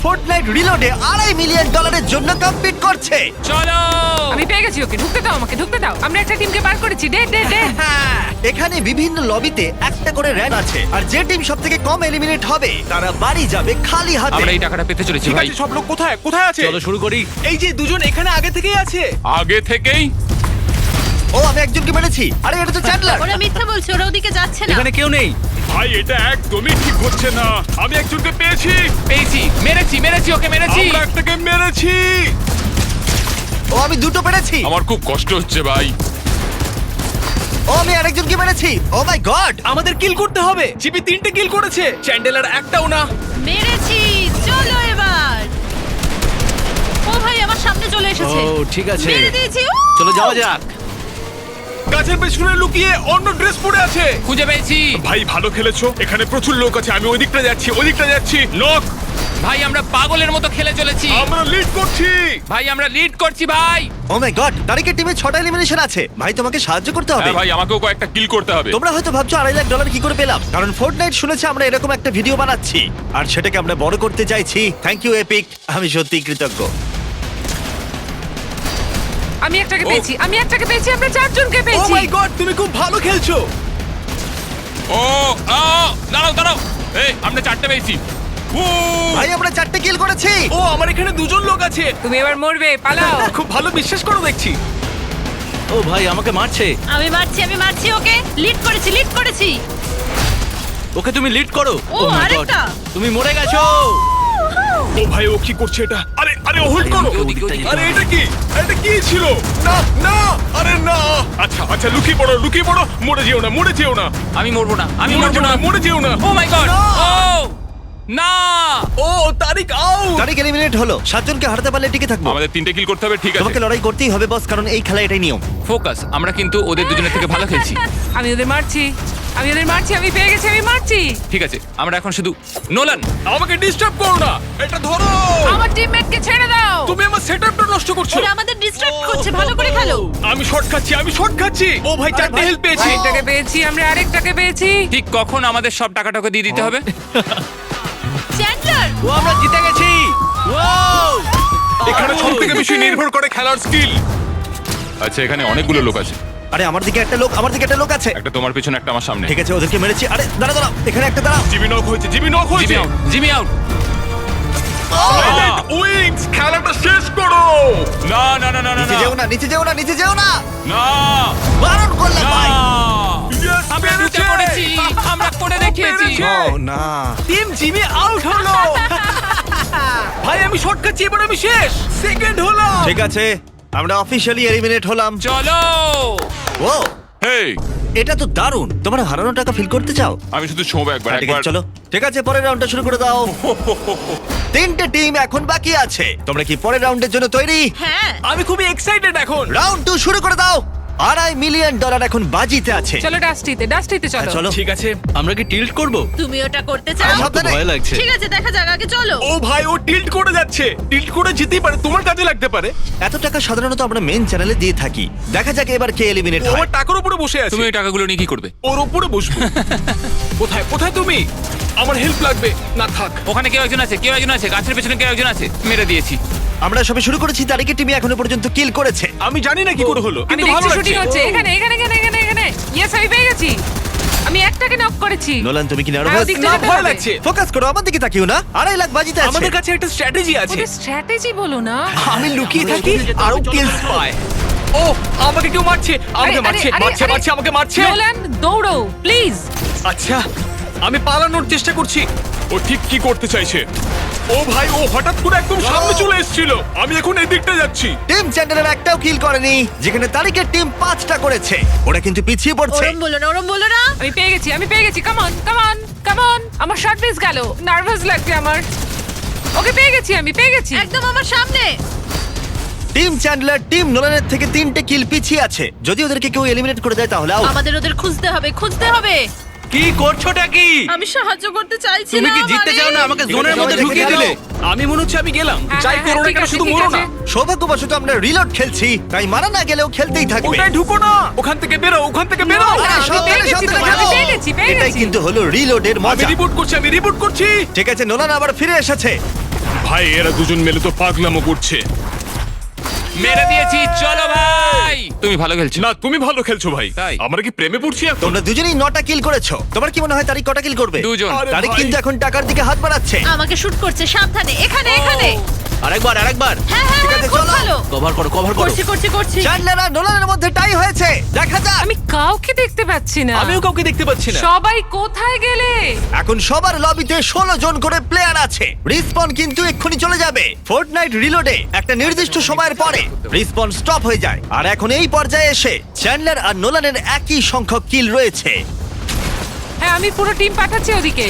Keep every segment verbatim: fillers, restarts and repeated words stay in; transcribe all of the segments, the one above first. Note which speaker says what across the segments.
Speaker 1: Fortnite রিলোডে আড়াই million ডলারের জন্য কম্পিট করছে।
Speaker 2: চলো
Speaker 3: আমি পেয়ে গেছি ওকে, ঢুকতে দাও আমাকে, ঢুকতে দাও। আমরা একটা টিমকে বার করেছি, ডে ডে ডে।
Speaker 1: এখানে বিভিন্ন লবিতে একটা করে র্যাঙ্ক আছে, আর যে টিম সব থেকে কম এলিমিনেট হবে তারা বাড়ি যাবে খালি হাতে।
Speaker 2: আমরা এই টাকাটা পেতে চলেছি
Speaker 4: ঠিক
Speaker 2: ভাই।
Speaker 4: আছে, সব লোক কোথায় কোথায় আছে?
Speaker 5: চলো শুরু করি।
Speaker 4: এই যে দুজন এখানে আগে থেকেই আছে।
Speaker 2: আগে থেকেই
Speaker 1: ও আমি একজনকে মেরেছি। আরে এটা তো চ্যান্ডলার।
Speaker 6: ওরা মিথ্যা বলছে, ওরা ওদিকে যাচ্ছে না।
Speaker 5: এখানে কেউ নেই।
Speaker 4: ভাই এটা একদমই ঠিক হচ্ছে না। আমি একজনকে পেয়েছি।
Speaker 2: পেয়েছি, মেরেছি মেরেছি ওকে মেরেছি।
Speaker 4: আমরা একটাকে মেরেছি।
Speaker 1: ও আমি দুটো পেরেছি।
Speaker 2: আমার খুব কষ্ট হচ্ছে ভাই।
Speaker 1: ও আমি আরেকজনকে মেরেছি। Oh my God.
Speaker 4: আমাদের কিল করতে হবে। জিপি তিনটে কিল করেছে, চ্যান্ডেলার একটাও না।
Speaker 6: মেরেছি, চলো এবার। ও ভাই আমার সামনে চলে এসেছে।
Speaker 5: ও ঠিক আছে,
Speaker 6: মেরে দিয়েছি। উ!
Speaker 5: চলো যাওয়া যাক।
Speaker 4: গাছের পেছনে লুকিয়ে অন্য ড্রেস পরে আছে।
Speaker 2: খুঁজে পেয়েছি
Speaker 4: ভাই ভালো খেলেছো। এখানে প্রচুর লোক আছে। আমি ওই দিকটা যাচ্ছি, ওই দিকটা যাচ্ছি। নক।
Speaker 2: ভাই, আমরা পাগলের মতো খেলে চলেছি
Speaker 4: আমরা লিড করছি।
Speaker 2: ভাই। আমরা লিড করছি ভাই।
Speaker 1: ও মাই গড, তারিখের টিমে ছটা এলিমিনেশন আছে। ভাই তোমাকে সাহায্য করতে হবে।
Speaker 2: হ্যাঁ ভাই, আমাকেও কয়েকটা কিল করতে হবে।
Speaker 1: তোমরা হয়তো ভাবছো আড়াই লাখ ডলার কি করে পেলাম, কারণ ফোর্টনাইট শুনেছে আমরা এরকম একটা ভিডিও বানাচ্ছি আর সেটাকে আমরা বড় করতে চাইছি। থ্যাংক ইউ এপিক, আমি সত্যিই কৃতজ্ঞ।
Speaker 3: আমি একটাকে পেয়েছি, আমি একটাকে পেয়েছি, আমরা চারজনকে
Speaker 4: ও
Speaker 3: পেয়েছি।
Speaker 4: মাই গড, তুমি খুব ভালো খেলছো।
Speaker 2: ও আ, দাঁড়াও দাঁড়াও। এই আমরা চারটে পেয়েছি। ও
Speaker 1: ভাই আমরা চারটে কিল করেছি।
Speaker 4: ও আমার এখানে দুজন লোক আছে।
Speaker 3: তুমি এবার মরবে, পালাও।
Speaker 4: খুব ভালো, বিশ্বাস করো দেখছি।
Speaker 5: ও ভাই আমাকে মারছে।
Speaker 6: আমি মারছি, আমি মারছি ওকে। লিড করেছি, লিড করেছি।
Speaker 5: ওকে তুমি লিড করো।
Speaker 6: ও,
Speaker 5: Oh my God,
Speaker 6: আরেকটা।
Speaker 5: তুমি মরে গেছো।
Speaker 4: ও ভাই ও কি করছে এটা? আরে আরে হোল্ড করো।
Speaker 5: ওদিকে, ওদিকে।
Speaker 4: আরে এটা কি? এটা কি ছিল? না না, আরে না। আচ্ছা আচ্ছা, লুকিয়ে পড়ো, লুকিয়ে পড়ো। মরে যেও না, মরে যেও না।
Speaker 2: আমি মরবো না, আমি
Speaker 4: মরে
Speaker 2: মরবো
Speaker 4: যেও
Speaker 2: না।
Speaker 4: না, মরে যেও না।
Speaker 2: Oh my God.
Speaker 4: না।
Speaker 2: ও না।
Speaker 4: ও তারিক আউট।
Speaker 1: তারিখ এলিমিনেট হলো। সাতজনকে হারাতে পারলে টিকে থাকবো।
Speaker 2: আমাদের তিনটে কিল করতে হবে, ঠিক আছে?
Speaker 1: তোমাকে লড়াই করতেই হবে বস, কারণ এই খেলা এটাই নিয়ম।
Speaker 2: ফোকাস। আমরা কিন্তু ওদের দুজনের থেকে ভালো খেলছি।
Speaker 3: আমি ওদের মারছি, আমি ওদের মারছি, আমি পেয়ে গেছি, আমি মারছি।
Speaker 2: ঠিক আছে, আমরা এখন শুধু নোলান।
Speaker 4: আমাকে ডিস্টার্ব করো না। এটা ধরো।
Speaker 3: আমার টিমমেটকে ছেড়ে দাও।
Speaker 4: তুমি আমার সেটআপটা নষ্ট করছো।
Speaker 6: ওরা আমাদের ডিস্ট্রাক্ট করছে, ভালো করে খেলো।
Speaker 4: আমি শর্ট খাচ্ছি, আমি শর্ট খাচ্ছি। ও ভাই চারটে
Speaker 1: ভাই,
Speaker 4: হেল্প পেয়েছি।
Speaker 3: একটাকে পেয়েছি, আমরা আরেকটাকে পেয়েছি।
Speaker 2: ঠিক কখন আমাদের সব টাকাটাকে দিয়ে দিতে হবে?
Speaker 6: চ্যান্ডলার,
Speaker 5: ও আমরা জিতে গেছি। ওয়াও!
Speaker 4: এখানে সব থেকে বেশি নির্ভর করে খেলার স্কিল।
Speaker 2: আচ্ছা, এখানে অনেকগুলো লোক আছে।
Speaker 1: আরে আমার দিকে একটা লোক, আমার দিকে একটা লোক আছে।
Speaker 2: একটা তোমার পেছনে, একটা আমার সামনে।
Speaker 1: ঠিক আছে, ওদেরকে মেরেছি। আরে দাঁড়া দাঁড়া, এখানে একটা দাঁড়াও।
Speaker 4: জিমি নক হয়েছে, জিমি নক
Speaker 2: জিমি
Speaker 4: হয়েছে।
Speaker 2: Out, Jimmy out.
Speaker 4: Silent wings, খেলাটা শেষ করো।
Speaker 2: না না না না না
Speaker 1: নিচে যেও না, নিচে যেও না, নিচে যেও না।
Speaker 2: না
Speaker 1: বারণ করলাম
Speaker 2: না।
Speaker 1: ভাই।
Speaker 4: Yes,
Speaker 2: আমরা
Speaker 4: পেরেছে।
Speaker 2: লুটে পড়েছি, আমরা করে দেখিয়েছি।
Speaker 4: পেরেছে।
Speaker 1: ও না।
Speaker 4: টিম জিমি আউট হলো। ভাই আমি শর্ট খাচ্ছি, এবার আমি শেষ। সেকেন্ড হলাম।
Speaker 1: ঠিক আছে, আমরা অফিশিয়ালি এলিমিনেট হলাম।
Speaker 2: চলো।
Speaker 1: ও
Speaker 2: হেই,
Speaker 1: এটা তো দারুণ। তোমরা হারানো টাকা ফিল করতে চাও?
Speaker 2: আমি শুধু ছোঁবো একবার
Speaker 1: হ্যাঁ, ঠিক আছে,
Speaker 2: একবার।
Speaker 1: চলো। ঠিক আছে, পরের রাউন্ডটা শুরু করে দাও। তিনটে টিম এখন বাকি আছে। তোমরা কি পরের রাউন্ডের জন্য তৈরি?
Speaker 6: হ্যাঁ।
Speaker 4: আমি খুবই এক্সাইটেড এখন।
Speaker 1: রাউন্ড টু শুরু করে দাও। আড়াই মিলিয়ন ডলার এখন বাজিতে আছে।
Speaker 3: চলো ডাস্টিতে, ডাস্টিতে
Speaker 1: হ্যাঁ,
Speaker 3: চলো।
Speaker 1: চলো।
Speaker 4: ঠিক আছে।
Speaker 5: আমরা কি টিল্ট করব?
Speaker 6: তুমি ওটা করতে চাও?
Speaker 1: আরে,
Speaker 5: আমার তো
Speaker 1: সাবধানে।
Speaker 5: ভয় লাগছে।
Speaker 6: ঠিক আছে, দেখা যাক, আগে চলো।
Speaker 4: ও ভাই ও টিল্ট করে যাচ্ছে। টিল্ট করে যেতেই পারে, তোমার কাজে লাগতে পারে।
Speaker 1: এত টাকা সাধারণত আমরা মেন চ্যানেলে দিয়ে থাকি। দেখা যাক এবার কে এলিমিনেট
Speaker 4: ও
Speaker 1: হয়।
Speaker 4: আমার টাকার উপরে বসে আছে।
Speaker 2: তুমি ওই টাকাগুলো নিয়ে কি করবে?
Speaker 4: ওর উপরে বসবো। কোথায় কোথায় তুমি? আমার হেল্প লাগবে। না থাক।
Speaker 2: ওখানে কেউ একজন আছে, কেউ একজন আছে, গাছের পেছনে কেউ একজন আছে। মেরে দিয়েছি।
Speaker 1: আমরা সবে শুরু করেছি, তারিখের টিম এখনো পর্যন্ত কিল করেছে।
Speaker 4: আমি জানি না কি করে হলো,
Speaker 3: আমি
Speaker 4: কিন্তু ভালো
Speaker 3: দেখছি শুটিং
Speaker 4: লাগছে।
Speaker 3: হচ্ছে। এখানে এখানে এখানে এখানে এখানে ইয়েস, আমি পেয়ে গেছি। আমি একটাকে নক করেছি।
Speaker 1: নোলান তুমি কি
Speaker 3: হ্যাঁ,
Speaker 1: নার্ভাস?
Speaker 3: ওদিকটা
Speaker 4: না
Speaker 3: যেতে
Speaker 4: ভয়
Speaker 3: হবে।
Speaker 4: লাগছে।
Speaker 1: ফোকাস করো, আমার দিকে তাকিও না। আড়াই লাখ বাজিতে আছে।
Speaker 4: আমাদের কাছে একটা স্ট্র্যাটেজি আছে।
Speaker 3: ওদের স্ট্র্যাটেজি বলো না।
Speaker 4: আমি লুকিয়ে
Speaker 5: আমরা
Speaker 4: থাকি
Speaker 5: ওখানে যেতে
Speaker 4: আরো
Speaker 5: হবে, চলো।
Speaker 4: কিলস পাই। ও আমাকে কেউ মারছে, আমাকে
Speaker 3: আরে,
Speaker 4: মারছে,
Speaker 3: আরে,
Speaker 4: মারছে,
Speaker 3: আরে,
Speaker 4: মারছে, আমাকে মারছে।
Speaker 3: নোলান দৌড়ো প্লিজ।
Speaker 4: আচ্ছা আমি পালানোর চেষ্টা করছি। ও ঠিক কি করতে চাইছে? ও ভাই ও হঠাৎ করে একদম সামনে চলে এসেছিল। আমি এখন এই দিকটা যাচ্ছি।
Speaker 1: টিম চ্যান্ডেলার একটাও কিল করেনি, যেখানে তারিখের টিম পাঁচটা করেছে। ওরা কিন্তু পিছিয়ে পড়ছে।
Speaker 6: ওরম বলো না, ওরম বলো না।
Speaker 3: আমি পেয়ে গেছি, আমি পেয়ে গেছি। Come on come on come on. আমার শর্ট মিস গেল, নার্ভাস লাগছে আমার। ওকে পেয়ে গেছি, আমি পেয়ে গেছি।
Speaker 6: একদম আমার সামনে।
Speaker 1: টিম চ্যান্ডলার টিম নোলানের থেকে তিনটে কিল পিছিয়ে আছে। যদি ওদেরকে কেউ এলিমিনেট করে দেয় তাহলে আউট।
Speaker 6: আমাদের ওদের খুঁজতে হবে, খুঁজতে হবে।
Speaker 5: কি করছোটা কি?
Speaker 6: আমি সাহায্য করতে চাইছি
Speaker 5: তুমি
Speaker 6: না।
Speaker 5: কি জিততে
Speaker 6: আরে।
Speaker 5: চাও না? আমাকে
Speaker 1: ঠিক
Speaker 5: জোনের
Speaker 1: আছে,
Speaker 5: মধ্যে
Speaker 1: সবাই
Speaker 5: ঢুকিয়ে
Speaker 1: দেখে
Speaker 5: দিলে।
Speaker 1: নাও।
Speaker 4: আমি মনে হচ্ছে আমি গেলাম।
Speaker 3: হ্যাঁ,
Speaker 4: যাই
Speaker 3: হ্যাঁ,
Speaker 4: করো না
Speaker 3: ঠিক
Speaker 4: কেন
Speaker 3: আছে,
Speaker 4: শুধু
Speaker 3: ঠিক
Speaker 4: মরো
Speaker 3: আছে।
Speaker 4: না।
Speaker 1: সৌভাগ্যবশত আমরা রিলোড খেলছি, তাই মারা না গেলেও খেলতেই থাকবে।
Speaker 4: ওটাই ঢুকো না। ওখান থেকে বেরো, ওখান থেকে বেরো।
Speaker 3: না,
Speaker 1: আরে,
Speaker 3: আমি
Speaker 1: সাবধানে,
Speaker 3: পেয়ে গেছি
Speaker 1: সাবধানে
Speaker 3: তোমায়, আমি
Speaker 1: খেলো।
Speaker 3: পেয়ে গেছি, পেয়ে
Speaker 1: এটাই
Speaker 3: গেছি।
Speaker 1: কিন্তু হলো রিলোডের
Speaker 4: আমি
Speaker 1: মজা।
Speaker 4: রিপোর্ট করছি, আমি রিপোর্ট করছি।
Speaker 1: ঠিক আছে, নোলান আবার ফিরে এসেছে।
Speaker 4: ভাই এরা দুজন মিলে তো পাগলামো করছে।
Speaker 2: মেরে দিয়েছি, চলো ভাই। তুমি ভালো খেলছো।
Speaker 4: না তুমি ভালো খেলছো ভাই।
Speaker 2: তাই?
Speaker 4: আমরা কি প্রেমে পড়ছি এখন?
Speaker 1: তোমরা দুজনেই নটা কিল করেছো। তোমার কি মনে হয় তারিক কটা কিল করবে?
Speaker 2: দুজন।
Speaker 4: আরে
Speaker 1: তারিক
Speaker 4: ভাই।
Speaker 1: কিন্তু এখন টাকার দিকে হাত বাড়াচ্ছে।
Speaker 6: আমাকে শুট করছে, সাবধানে। এখানে এখানে।
Speaker 5: আরেকবার আরেকবার
Speaker 6: হ্যাঁ হ্যাঁ
Speaker 1: ঠিক
Speaker 6: হ্যাঁ,
Speaker 1: আছে,
Speaker 6: খুব
Speaker 1: চলো।
Speaker 6: ভালো।
Speaker 5: কভার করো কভার করো
Speaker 6: করছি করছি করছি।
Speaker 1: চ্যান্ডলার আর নোলানের মধ্যে টাই হয়েছে। দেখা যাক।
Speaker 3: আমি কাউকে দেখতে পাচ্ছি না।
Speaker 5: আমিও কাউকে দেখতে পাচ্ছি না।
Speaker 3: সবাই কোথায় গেলে?
Speaker 1: এখন সবার লবিতে ষোলো জন করে প্লেয়ার আছে। রিসপন কিন্তু এক্ষুনি চলে যাবে। ফোর্টনাইট রিলোডে একটা নির্দিষ্ট সময়ের পরে রিসপন স্টপ হয়ে যায়। আর এখন এই পর্যায়ে এসে চ্যান্ডলার আর নোলানের একই সংখ্যক কিল রয়েছে।
Speaker 3: হ্যাঁ, আমি পুরো টিম পাঠাচ্ছি ওদিকে।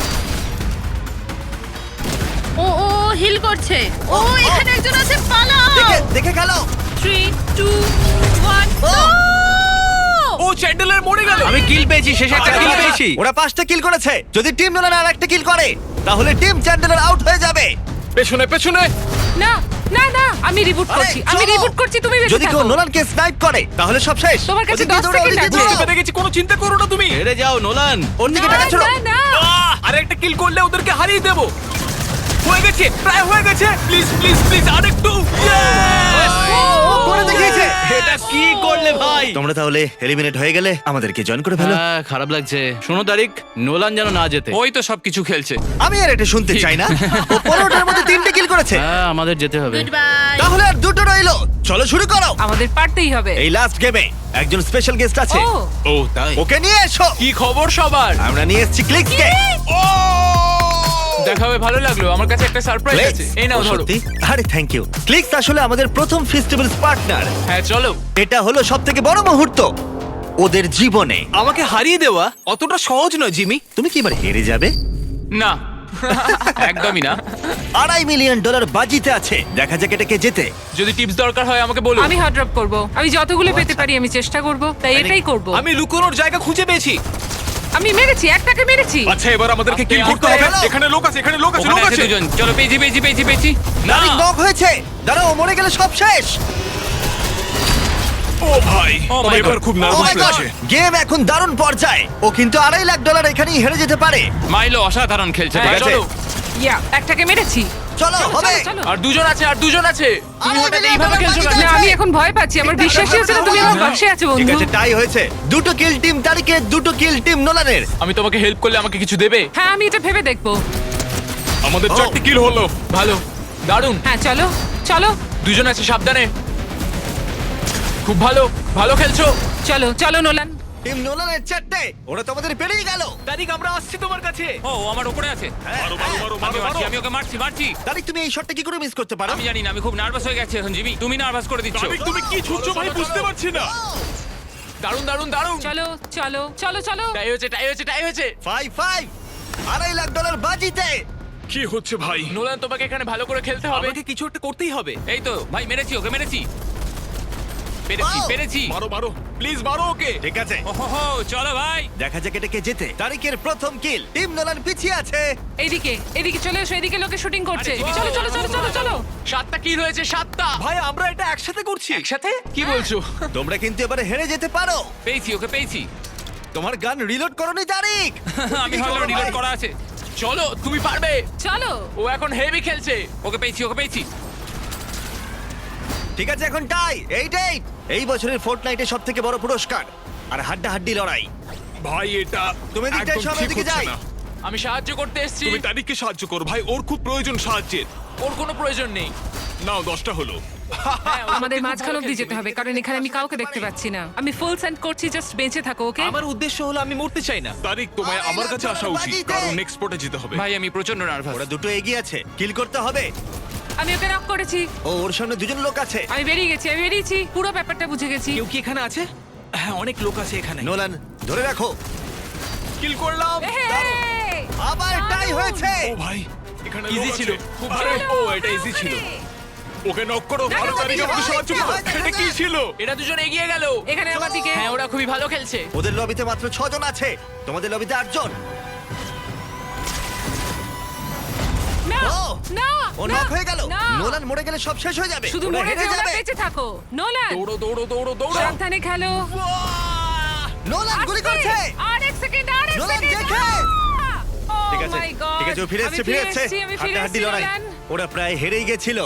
Speaker 6: ও ও হিল করছে। ও এখানে একজন আছে, পালাও।
Speaker 1: দেখে দেখে গেল।
Speaker 6: Three two one.
Speaker 1: ও!
Speaker 5: ও চ্যান্ডেলার মরে গেল। আমি কিল পেয়েছি, শেষে একটা কিল পেয়েছি।
Speaker 1: ওরা পাঁচটা কিল করেছে। যদি টিম নোলান আর একটা কিল করে তাহলে টিম চ্যান্ডলার আউট হয়ে যাবে।
Speaker 4: পেছনে পেছনে।
Speaker 3: না না না, আমি রিবুট
Speaker 1: আরে,
Speaker 3: করছি, আমি
Speaker 1: চলো।
Speaker 3: রিবুট করছি, তুমি বেঁচে
Speaker 1: যদি কেউ
Speaker 3: থাকো।
Speaker 1: নোলানকে স্নাইপ করে তাহলে সব শেষ।
Speaker 3: তোমার কাছে
Speaker 1: ওদিকে
Speaker 3: দশ
Speaker 1: দৌড়াও,
Speaker 3: সেকেন্ড
Speaker 1: ওদিকে
Speaker 3: আছে।
Speaker 1: দৌড়াও।
Speaker 4: বুঝতে পেরে গেছি, কোনো চিন্তা করো না তুমি।
Speaker 5: হেরে যাও নোলান।
Speaker 1: ওর দিকে
Speaker 3: না,
Speaker 1: টাকা ছিল।
Speaker 3: না, না।
Speaker 4: আহ, আর একটা কিল করলে ওদেরকে হারিয়ে দেবো। হয়ে গেছে, প্রায় হয়ে গেছে। প্লিজ প্লিজ প্লিজ আরেকটু।
Speaker 1: ও করে দেখিয়েছে।
Speaker 5: এটা কি করলে ভাই?
Speaker 1: তোমরা তাহলে এলিমিনেট হয়ে গেলে আমাদেরকে জয়েন করে ফেলো।
Speaker 5: হ্যাঁ, খারাপ লাগছে। শোনো তারিক, নোলান যেন না যেতে।
Speaker 2: ওই তো সবকিছু খেলছে।
Speaker 1: আমি আর এটা শুনতে চাই না। ও পনেরোটার মধ্যে তিনটে কিল করেছে।
Speaker 5: হ্যাঁ, আমাদের যেতে হবে।
Speaker 6: Goodbye.
Speaker 1: তাহলে আর দুটো রইলো। চলো শুরু করো।
Speaker 3: আমাদের পারতেই হবে।
Speaker 1: এই লাস্ট গেমে একজন স্পেশাল গেস্ট আছে।
Speaker 3: ও
Speaker 4: ও তাই?
Speaker 1: ওকে নিয়ে এসো।
Speaker 5: কি খবর সবার?
Speaker 1: আমরা নিয়ে এসেছি ক্লিক্সকে।
Speaker 7: দেখাবে, ভালো লাগলো। আমার কাছে একটা সারপ্রাইজ আছে, এই নাও ধরো।
Speaker 1: সত্যি? আরে থ্যাংক ইউ। ক্লিক্স আসলে আমাদের প্রথম ফেস্টিভ্যালস পার্টনার।
Speaker 7: হ্যাঁ চলো।
Speaker 1: এটা হলো সবথেকে বড় মুহূর্ত ওদের জীবনে।
Speaker 5: আমাকে হারিয়ে দেওয়া অতটা সহজ নয় জিমি।
Speaker 1: তুমি কি এবার হেরে যাবে?
Speaker 2: না, একদমই না।
Speaker 1: আড়াই মিলিয়ন ডলার বাজিতে আছে। দেখা যাক এটাকে জেতে।
Speaker 7: যদি টিপস দরকার হয় আমাকে বলো।
Speaker 3: আমি হট ড্রপ করব। আমি যতগুলো পেতে পারি আমি চেষ্টা করব, তাই এটাই করব।
Speaker 5: আমি লুকোনোর জায়গা খুঁজে পেয়েছি।
Speaker 3: আমি মেরেছি, একটাকে মেরেছি।
Speaker 4: আচ্ছা এবার আমাদেরকে কিল
Speaker 2: আপনি
Speaker 4: করতে হবে।
Speaker 1: আসতে
Speaker 4: এখানে লোক আছে, এখানে লোক আছে,
Speaker 2: ওখানে
Speaker 4: লোক
Speaker 2: আছে
Speaker 4: আছে।
Speaker 2: দুজন। চলো, পেয়েছি পেয়েছি পেয়েছি পেয়েছি। না,
Speaker 1: তারিক নক হয়েছে। দাঁড়াও, ও মরে গেলে সব শেষ।
Speaker 4: ও ভাই,
Speaker 2: Oh my
Speaker 4: এবার
Speaker 2: God.
Speaker 4: খুব
Speaker 1: Oh
Speaker 4: নার্ভাস
Speaker 1: my God!
Speaker 4: লাগছে।
Speaker 1: গেম এখন দারুণ পর্যায়ে। ও কিন্তু আড়াই লাখ ডলার এখানেই হেরে যেতে পারে।
Speaker 2: মাইলো অসাধারণ খেলছে।
Speaker 7: হ্যাঁ,
Speaker 2: ঠিক আছে?
Speaker 7: চলো।
Speaker 3: ইয়া, একটাকে মেরেছি।
Speaker 1: চলো
Speaker 3: চলো,
Speaker 1: হবে।
Speaker 3: চলো, চলো।
Speaker 7: আর দুজন আছে, আর দুজন আছে। তুমি
Speaker 1: আরে,
Speaker 7: হঠাৎ
Speaker 1: বিরাট
Speaker 7: এইভাবে
Speaker 1: ব্যাপার
Speaker 7: খেলছো
Speaker 1: বাকি
Speaker 7: না।
Speaker 3: না, আমি এখন ভয় পাচ্ছি। আমার বিশ্বাসই হচ্ছে না তুমি আমার পাশে আছো
Speaker 1: ঠিক
Speaker 3: বন্ধু।
Speaker 1: আছে, টাই হয়েছে। দুটো কিল টিম তারিকের, দুটো কিল টিম নোলানের।
Speaker 7: আমি তোমাকে হেল্প করলে আমাকে কিছু দেবে?
Speaker 3: হ্যাঁ, আমি এটা ভেবে দেখবো।
Speaker 4: আমাদের
Speaker 1: ও।
Speaker 4: চারটি কিল হলো।
Speaker 7: ভালো, দারুণ।
Speaker 3: হ্যাঁ, চলো চলো
Speaker 7: দুজন আছে, সাবধানে। খুব ভালো, ভালো খেলছো।
Speaker 3: চলো চলো নোলান।
Speaker 1: টিম নোলানের চারটে। ওরা তোমাদের পেরিয়ে গেল।
Speaker 5: তারিক, আমরা আসছি তোমার কাছে।
Speaker 2: ও, ও আমার উপরে আছে।
Speaker 4: মারো মারো মারো মারো
Speaker 2: আমি মারছি,
Speaker 4: মারো।
Speaker 2: আমি ওকে মারছি মারছি।
Speaker 1: তারিক, তুমি এই শটটা কি করে মিস করতে পারো?
Speaker 2: আমি জানি না, আমি খুব নার্ভাস হয়ে গেছি এখন জিমি। তুমি নার্ভাস করে দিচ্ছ।
Speaker 4: তারিক, তুমি কি ছুটছো ভাই, বুঝতে পারছি না।
Speaker 7: দারুণ দারুণ দারুণ।
Speaker 3: চলো চলো চলো চলো।
Speaker 7: টাই হয়েছে, টাই হয়েছে, টাই হয়েছে।
Speaker 1: ফাইভ ফাইভ আড়াই লাখ ডলার বাজিতে।
Speaker 4: কি হচ্ছে ভাই?
Speaker 7: নোলান, তোমাকে এখানে ভালো করে খেলতে হবে।
Speaker 5: আমাকে কিছু একটা করতেই হবে।
Speaker 2: এই তো ভাই, মেরেছি ওকে, মেরেছি পেরেছি
Speaker 1: Wow!
Speaker 2: পেরেছি।
Speaker 4: মারো মারো, প্লিজ মারো ওকে।
Speaker 1: ঠিক আছে,
Speaker 2: ওহো, চলো ভাই।
Speaker 1: দেখা যাক এটাকে জেতে। তারিকের প্রথম কিল। টিম নোলান পিছিয়ে আছে।
Speaker 3: এইদিকে এদিকে চলে এসো, এদিকে লোকে শুটিং করছে।
Speaker 2: আরে,
Speaker 3: চলো চলো চলো চলো চলো।
Speaker 7: সাতটা কিল হয়েছে, সাতটা।
Speaker 5: ভাই, আমরা এটা একসাথে করছি।
Speaker 7: একসাথে কি বলছো?
Speaker 1: তোমরা কিন্তু এবারে হেরে যেতে পারো।
Speaker 2: পেয়েছি ওকে, পেয়েছি।
Speaker 1: তোমার গান রিলোড করোনি তারিক।
Speaker 2: আমি ভালো রিলোড করা আছে।
Speaker 7: চলো, তুমি পারবে।
Speaker 3: চলো।
Speaker 7: ও এখন হেভি খেলছে।
Speaker 2: ওকে পেয়েছি, ওকে পেয়েছি।
Speaker 1: ঠিক আছে, এখন টাই এইট এইট। এই বছরের ফোর্টনাইটে সব থেকে বড় পুরস্কার আর হাড্ডা হাড্ডি লড়াই।
Speaker 4: ভাই এটা
Speaker 1: তুমি এদিকটায়
Speaker 4: একদম
Speaker 1: সব,
Speaker 4: ঠিক
Speaker 1: এদিকে
Speaker 4: হচ্ছে
Speaker 1: যাই।
Speaker 4: না।
Speaker 7: আমি সাহায্য করতে এসেছি।
Speaker 4: তুমি তারিখকে সাহায্য করো ভাই, ওর খুব প্রয়োজন সাহায্যের।
Speaker 7: ওর কোনো প্রয়োজন নেই।
Speaker 4: নাও দশটা হলো।
Speaker 7: হ্যাঁ, ও
Speaker 3: আমাদের
Speaker 7: সত্যি খুব
Speaker 3: মাঝখান
Speaker 7: ভালো
Speaker 3: অব্দি
Speaker 7: খেলছে।
Speaker 3: যেতে হবে, কারণ এখানে আমি কাউকে দেখতে পাচ্ছি না। আমি ফুল সেন্ড করছি, জাস্ট বেঁচে থাকো, ওকে?
Speaker 5: আমার উদ্দেশ্য হলো আমি মরতে চাই না।
Speaker 4: তারিখ, তোমায় আমার কাছে আসা উচিত, কারণ নেক্সট স্পটে যেতে হবে।
Speaker 2: ভাই আমি প্রচন্ড নার্ভাস।
Speaker 1: ওরা দুটো এগিয়ে আছে, কিল করতে হবে।
Speaker 3: আমি ওকে নক করেছি।
Speaker 1: ও, ওর সামনে দুজন লোক আছে।
Speaker 3: আমি বেরিয়ে গেছি, আমি বেরিয়েছি, পুরো ব্যাপারটা বুঝে গেছি।
Speaker 5: কেউ কি এখানে আছে? হ্যাঁ, অনেক লোক আছে এখানে।
Speaker 1: নোলান ধরে রাখো।
Speaker 4: কিল করলাম।
Speaker 3: এই!
Speaker 1: আবার টাই হয়েছে।
Speaker 4: ও ভাই, এখানে লোক
Speaker 7: Easy
Speaker 4: আছে।
Speaker 7: ছিল, খুব
Speaker 4: আরে,
Speaker 7: ভালো।
Speaker 4: ও এটা ইজি ছিল। ওকে নক করো, ভালো তারিখ আমাকে সাহায্য করো। এটা কি ছিল?
Speaker 7: এরা দুজন এগিয়ে গেল।
Speaker 3: এখানে আমার দিকে।
Speaker 7: হ্যাঁ, ওরা খুবই ভালো খেলছে।
Speaker 1: ওদের লবিতে মাত্র ছজন আছে, তোমাদের লবিতে আটজন।
Speaker 3: না
Speaker 1: ও!
Speaker 3: না
Speaker 1: ও
Speaker 3: না,
Speaker 1: নক হয়ে গেল।
Speaker 3: না।
Speaker 1: নোলান মরে গেলে সব শেষ হয়ে যাবে।
Speaker 3: শুধু
Speaker 1: ওরা
Speaker 3: মরে
Speaker 1: হেরে
Speaker 3: যেও না,
Speaker 1: যাবে।
Speaker 3: বেঁচে থাকো। নোলান,
Speaker 7: দৌড়ো দৌড়ো দৌড়ো দৌড়ো।
Speaker 3: সাবধানে খেলো।
Speaker 1: নোলান গুলি
Speaker 3: আস্তে,
Speaker 1: করছে।
Speaker 3: আর এক সেকেন্ড, আর এক
Speaker 1: নোলান
Speaker 3: সেকেন্ড।
Speaker 1: দেখে।
Speaker 3: Oh
Speaker 1: ঠিক আছে,
Speaker 3: my God!
Speaker 1: ঠিক আছে, ও ফিরে
Speaker 3: আমি
Speaker 1: এসছে, ফিরে এসছে।
Speaker 3: এসেছি, আমি ফিরে
Speaker 1: হাড্ডাহাড্ডি
Speaker 3: এসেছি,
Speaker 1: লড়াই।
Speaker 3: নোলান।
Speaker 1: ওরা প্রায় হেরেই গেছিল।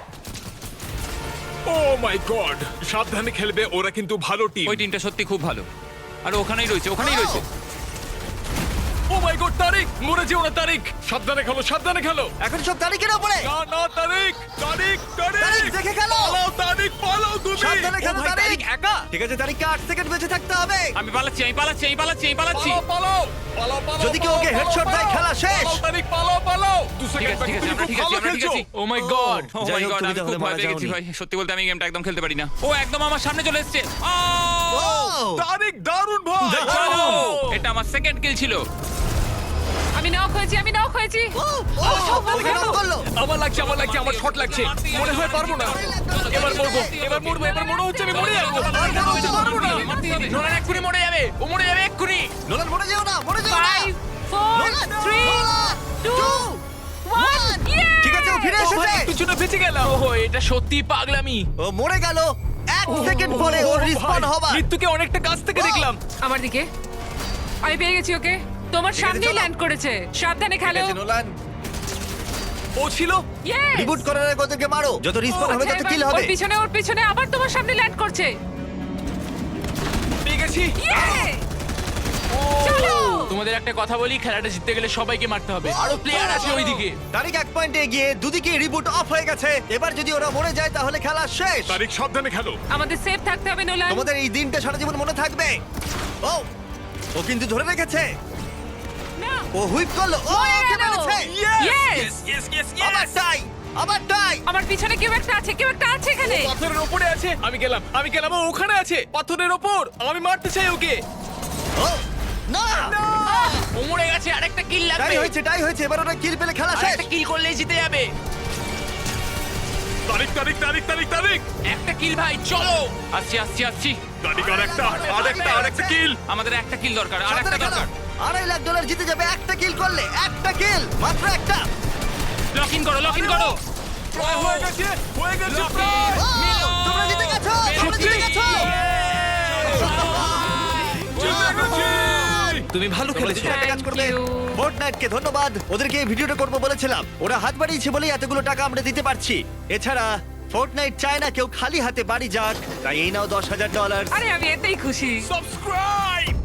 Speaker 4: ও মাই গড, সাবধানে খেলবে, ওরা কিন্তু ভালো টিম।
Speaker 2: ওই টিমটা সত্যি খুব ভালো। আর ওখানেই রয়েছে, ওখানেই রয়েছে।
Speaker 4: ও মাই গড, তারিক মরে যেও না তারিক, সাবধানে খেলো, সাবধানে খেলো।
Speaker 1: এখন সব তারিখের ওপরে।
Speaker 4: না না তারিক, তারিক, তারিক
Speaker 1: তারিক, দেখে খেলো।
Speaker 4: পালাও তারিক, পালাও তুমি।
Speaker 1: সাবধানে খেলো
Speaker 4: ও ভাই,
Speaker 1: তারিক।
Speaker 4: একা।
Speaker 1: ঠিক আছে তারিখকে আট সেকেন্ড বেঁচে থাকতে হবে।
Speaker 2: আমি পালাচ্ছি, আমি পালাচ্ছি, আমি পালাচ্ছি, আমি পালাচ্ছি।
Speaker 4: পালাও, পালাও, পালাও, পালাও,
Speaker 1: যদি কেউ ওকে
Speaker 4: পালাও,
Speaker 1: headshot
Speaker 4: পালাও,
Speaker 1: দেয়, খেলা শেষ।
Speaker 4: পালাও, তারিক, পালাও, পালাও। দু
Speaker 2: ঠিক
Speaker 4: সেকেন্ড
Speaker 2: আছে, ঠিক
Speaker 4: বাকি,
Speaker 2: আছে,
Speaker 4: তুমি
Speaker 2: আমরা
Speaker 4: খুব
Speaker 2: ঠিক আছি,
Speaker 4: ভালো
Speaker 2: আমরা ঠিক
Speaker 4: খেলছো।
Speaker 2: আছি।
Speaker 7: ও মাই গড।
Speaker 2: ও
Speaker 1: যাই
Speaker 2: মাই
Speaker 1: হোক,
Speaker 2: গড,
Speaker 1: তুমি
Speaker 2: আমি
Speaker 1: তাহলে
Speaker 2: খুব ভয়
Speaker 1: মারা
Speaker 2: পেয়ে গেছি
Speaker 1: যাওনি।
Speaker 2: ভাই। সত্যি বলতে আমি এই গেমটা একদম খেলতে পারি না। ও একদম আমার সামনে চলে এসেছে।
Speaker 1: ও!
Speaker 4: তারিক দারুণ ভাই।
Speaker 1: দারুণ।
Speaker 2: এটা আমার সেকেন্ড কিল ছিল।
Speaker 3: আমি নক হয়েছি, আমি নক হয়েছি।
Speaker 1: ও, ও, ওকে knock করলো।
Speaker 4: আমার লাগছে, আমার লাগছে, আমার শট লাগছে, মনে হয় পারবো না। এবার মরবো, এবার মরবো, এবার মনে হচ্ছে আমি মরে যাবো। আর মনে হচ্ছে পারবো না।
Speaker 7: নোলান এক্ষুনি মরে যাবে, ও মরে যাবে এক্ষুনি।
Speaker 1: নোলান মরে যেও না, মরে যেও না।
Speaker 3: Five four
Speaker 1: Nolan,
Speaker 3: three
Speaker 1: Nolan,
Speaker 3: two
Speaker 1: two,
Speaker 3: one.
Speaker 1: ঠিক আছে, ও ফিরে
Speaker 7: ও
Speaker 1: এসেছে।
Speaker 7: ভাই, পিছনে বেঁচে গেলাম। ওহো, এটা সত্যি পাগলামি।
Speaker 1: ও মরে গেল এক সেকেন্ড পরে ওর রিসপন হবার।
Speaker 7: মৃত্যুকে অনেকটা কাছ থেকে দেখলাম।
Speaker 3: আমার দিকে। আমি পেয়ে গেছি ওকে। তোমার
Speaker 1: ঠিক আছে,
Speaker 3: সামনেই
Speaker 1: চলো।
Speaker 3: ল্যান্ড করেছে। সাবধানে
Speaker 1: ঠিক
Speaker 3: খেলো।
Speaker 1: আছে, নোলান
Speaker 4: ও ছিল।
Speaker 3: Yes!
Speaker 1: রিবুট করার আগে ওদেরকে মারো, যত রিসপন হবে
Speaker 3: আচ্ছা,
Speaker 1: তত
Speaker 3: এবার
Speaker 1: কিল
Speaker 3: ওর
Speaker 1: হবে।
Speaker 3: পিছনে ওর পিছনে আবার তোমার সামনে ল্যান্ড করছে।
Speaker 4: পেয়ে গেছি।
Speaker 3: Yay! চলো।
Speaker 7: তোমাদের একটা কথা বলি, খেলাটা জিততে গেলে সবাইকে মারতে হবে। আরো প্লেয়ার আছে ওইদিকে।
Speaker 1: তারিখ এক পয়েন্টে এগিয়ে, দুদিকে রিবুট অফ হয়ে গেছে। এবার যদি ওরা মরে যায় তাহলে খেলা শেষ।
Speaker 4: তারিক সাবধানে খেলো।
Speaker 3: আমাদের সেফ থাকতে হবে নোলান।
Speaker 1: তোমাদের এই দিনটা সারা জীবন মনে থাকবে। ও ও কিন্তু ধরে রেখেছে।
Speaker 3: না।
Speaker 1: ও হুইপ করলো। ও
Speaker 3: মরে
Speaker 1: ওকে
Speaker 3: গেল।
Speaker 1: মেরেছে।
Speaker 3: Yes!
Speaker 4: ইয়েস ইয়েস
Speaker 1: আবার টাই, আবার টাই।
Speaker 3: আমার পিছনে কেউ একটা আছে, কেউ একটা আছে এখানে।
Speaker 4: পাথরের ওপরে আছে। আমি গেলাম, আমি গেলাম, ও ওখানে আছে পাথরের ওপর। আমি মারতে চাই ওকে।
Speaker 1: ও না,
Speaker 7: ও মরে গেছে, আরেকটা কিল
Speaker 1: টাই
Speaker 7: লাগবে।
Speaker 1: হয়েছে, টাই হয়েছে। এবার ওরা কিল পেলে খেলা শেষ।
Speaker 7: আরেকটা কিল করলেই জিতে যাবে।
Speaker 4: তারিক, তারিক, তারিক, তারিক, তারিক,
Speaker 7: একটা কিল ভাই, চলো।
Speaker 2: আসছি, আসছি, আসছি।
Speaker 4: তারিক, আর একটা, আর একটা, আর একটা কিল।
Speaker 2: আমাদের একটা কিল দরকার, আর একটা
Speaker 1: সাবধানে খেলো।
Speaker 2: দরকার।
Speaker 1: আড়াই লাখ ডলার জিতে যাবে একটা কিল করলে। একটা কিল, মাত্র একটা।
Speaker 2: লক ইন করো, লক ইন করো।
Speaker 4: প্রায় হয়ে গেছে, হয়ে গেছে
Speaker 2: Lucky!
Speaker 4: প্রায়।
Speaker 1: ও, তোমরা জিতে গেছো, তোমরা জিতে গেছো।
Speaker 4: জিতে গেছি।
Speaker 1: তুমি ভালো খেলেছো, একটা কাজ করবে।
Speaker 3: Thank you.
Speaker 1: ফোর্টনাইটকে ধন্যবাদ, ওদেরকে এই ভিডিওটা করবো বলেছিলাম। ওরা হাত বাড়িয়েছে বলেই এতগুলো টাকা আমরা দিতে পারছি। এছাড়া ফোর্টনাইট চায় না কেউ খালি হাতে বাড়ি যাক, তাই এই নাও দশ হাজার ডলার।
Speaker 3: আরে আমি এতেই খুশি।
Speaker 4: সাবস্ক্রাইব।